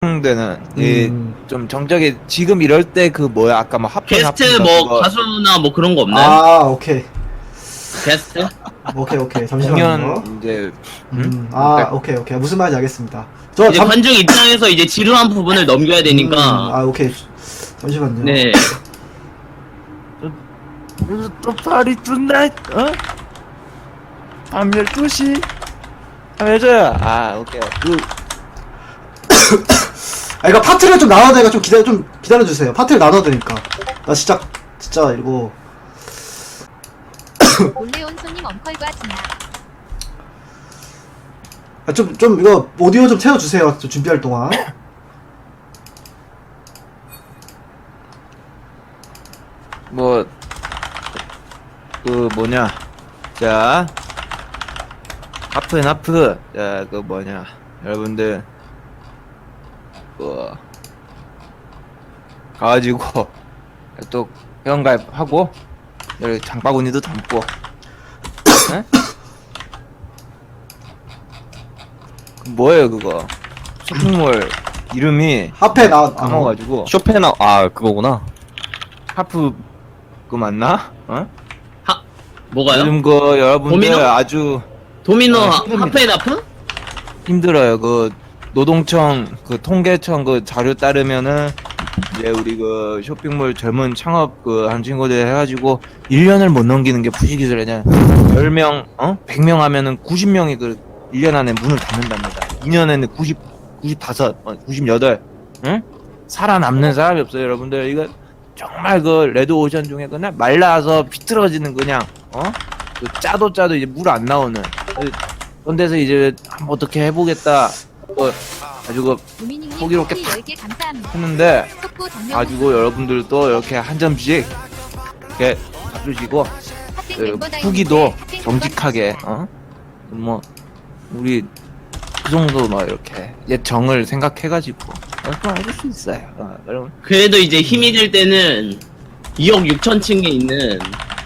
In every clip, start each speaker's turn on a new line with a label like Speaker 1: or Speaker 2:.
Speaker 1: 되는 좀 정적이 지금 이럴 때 그 뭐야 아까 뭐 하편
Speaker 2: 게스트 뭐 가수나 뭐 그런 거 없나요?
Speaker 3: 아, 오케이.
Speaker 2: 게스트?
Speaker 3: 오케이. 잠시만요.
Speaker 1: 공연 이제
Speaker 3: 오케이. 무슨 말인지 알겠습니다. 저
Speaker 2: 이제 관중 입장에서 이제 지루한 부분을 넘겨야 되니까.
Speaker 3: 오케이. 잠시만요.
Speaker 2: 네.
Speaker 1: 또 파리 툰나잇 밤 12시 해줘요. 오케이
Speaker 3: 이거 파트를 좀 나눠야 되니까 좀 기다려주세요. 파트를 나눠야 되니까. 나 진짜 이거.
Speaker 4: 몰래 온 손님 엉컬과 진아.
Speaker 3: 좀 이거 오디오 좀 채워주세요. 좀 준비할 동안.
Speaker 1: 뭐 그 뭐냐 자 하프 자 그 뭐냐 여러분들 그 가가지고 또 회원가입하고 여기 장바구니도 담고 에? 그 뭐예요 그거 쇼핑몰 이름이
Speaker 3: 앞에
Speaker 1: 까먹어가지고
Speaker 5: 쇼펜아 그거구나.
Speaker 1: 하프 그 맞나?
Speaker 2: 뭐가요?
Speaker 1: 요즘 그 여러분들
Speaker 2: 도미노?
Speaker 1: 아주
Speaker 2: 도미노
Speaker 1: 힘듭니다.
Speaker 2: 하프앤하프?
Speaker 1: 힘들어요. 그 노동청 그 통계청 그 자료 따르면은 이제 우리 그 쇼핑몰 젊은 창업 그 한 친구들 해가지고 1년을 못 넘기는 게 부시기술이냐. 10명 100명 하면은 90명이 그 1년 안에 문을 닫는답니다. 2년에는 95, 98 응? 살아남는 사람이 없어요, 여러분들. 이거 정말 그 레드 오션 중에 그냥 말라서 비틀어지는 그냥 그 짜도 이제 물 안 나오는 그런 데서 이제 한번 어떻게 해보겠다 아주 그 호기롭게 탁 했는데 가지고 여러분들도 이렇게 한 점씩 이렇게 가주시고 후기도 정직하게 뭐 우리 그 정도 뭐 이렇게 옛 정을 생각해가지고 해줄 수 있어요. 여러분.
Speaker 2: 그래도 이제 힘이 될 때는 2억 6천 층에 있는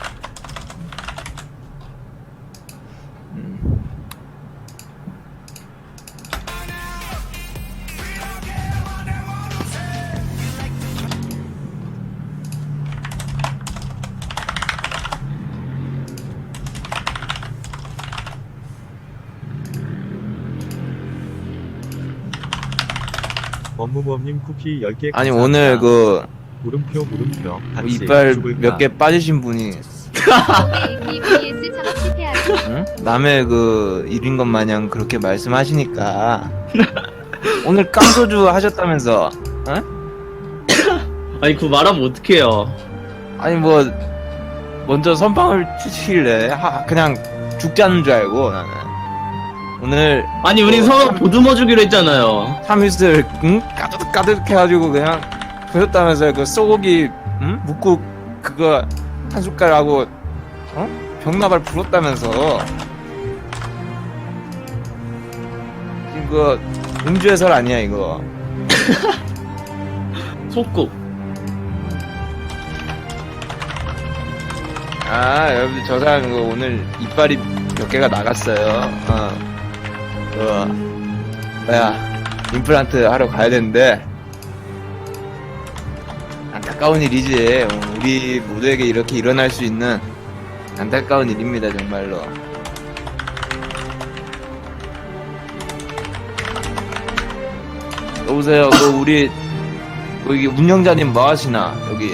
Speaker 5: 원무범님 쿠키 10개
Speaker 1: 아니 오늘 그
Speaker 5: 물음표 같이
Speaker 1: 이빨
Speaker 5: 죽을까?
Speaker 1: 몇 개 빠지신 분이
Speaker 4: ABS 창업 실패하기.
Speaker 1: 응? 남의 그 일인 것 마냥 그렇게 말씀하시니까 오늘 깡소주 하셨다면서
Speaker 2: 아니 그거 말하면 어떡해요.
Speaker 1: 아니 뭐 먼저 선빵을 치시길래 그냥 죽자는 줄 알고 나는 오늘
Speaker 2: 아니 우린 서로 보듬어 주기로 했잖아요.
Speaker 1: 참이슬 가득 해가지고 그냥 보셨다면서요. 그 소고기 묵국 그거 한 숟갈하고 병나발 불었다면서 지금 그 음주 해설 아니야 이거.
Speaker 2: 속국.
Speaker 1: 여러분들 저 사람 이거 오늘 이빨이 몇 개가 나갔어요. 뭐야 임플란트 하러 가야 되는데 안타까운 일이지. 우리 모두에게 이렇게 일어날 수 있는 안타까운 일입니다 정말로. 여보세요. 그 우리 여기 운영자님 뭐 하시나 여기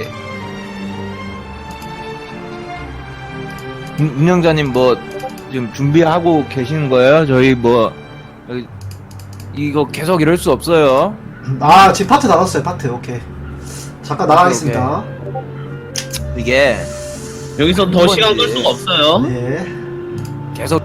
Speaker 1: 운영자님 뭐 지금 준비하고 계시는 거예요? 저희 뭐 여기 이거 계속 이럴 수 없어요.
Speaker 3: 지금 파트 나눴어요. 파트. 오케이. 잠깐 나가겠습니다.
Speaker 1: 이게
Speaker 2: 여기서 더 시간 끌 수가 없어요.
Speaker 3: 네.
Speaker 1: 계속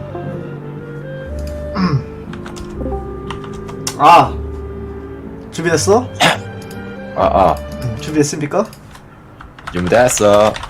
Speaker 3: 준비됐어?
Speaker 1: 준비됐습니까?
Speaker 5: 준비됐어.